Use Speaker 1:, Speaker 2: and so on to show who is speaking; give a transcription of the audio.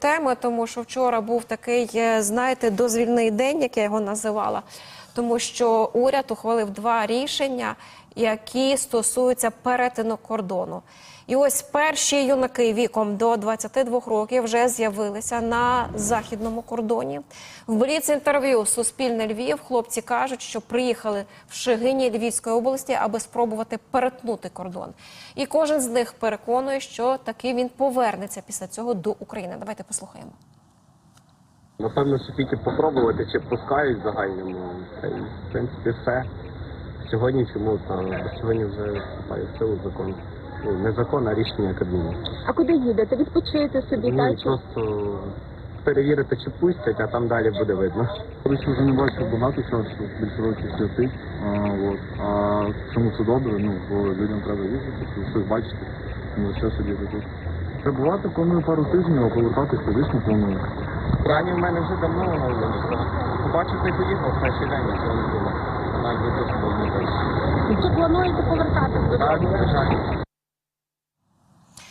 Speaker 1: теми, тому що вчора був такий, знаєте, дозвільний день, як я його називала, тому що уряд ухвалив 2 рішення, які стосуються перетину кордону. І ось перші юнаки віком до 22 років вже з'явилися на західному кордоні. В бліц-інтерв'ю «Суспільне Львів» хлопці кажуть, що приїхали в Шегині Львівської області, аби спробувати перетнути кордон. І кожен з них переконує, що таки він повернеться після цього до України. Давайте послухаємо.
Speaker 2: Напевно, що тільки попробувати, чи пускають в загальному. Та й, в принципі, все. Сьогодні чому? Сьогодні вже вступає в силу закон. Ну, не закон, а рішення Кабміну.
Speaker 3: А куди їдете? Відпочити собі,
Speaker 2: Ні,
Speaker 3: так?
Speaker 2: просто перевірити, чи пустять, а там далі буде видно.
Speaker 4: Я вже не бачив багато часу, більше років святих. А чому це добре? Ну, бо людям треба їздити, щось бачити, не лише сидіти тут. Прибувати планую пару тижнів, а повертатися звісно планую.
Speaker 2: Плані в мене вже давно оновлено. Побачив, ти поїхав в перший день, нічого не було. Навіть не тут було не
Speaker 3: Чи плануєте повертатися додому?
Speaker 2: Так, звичайно.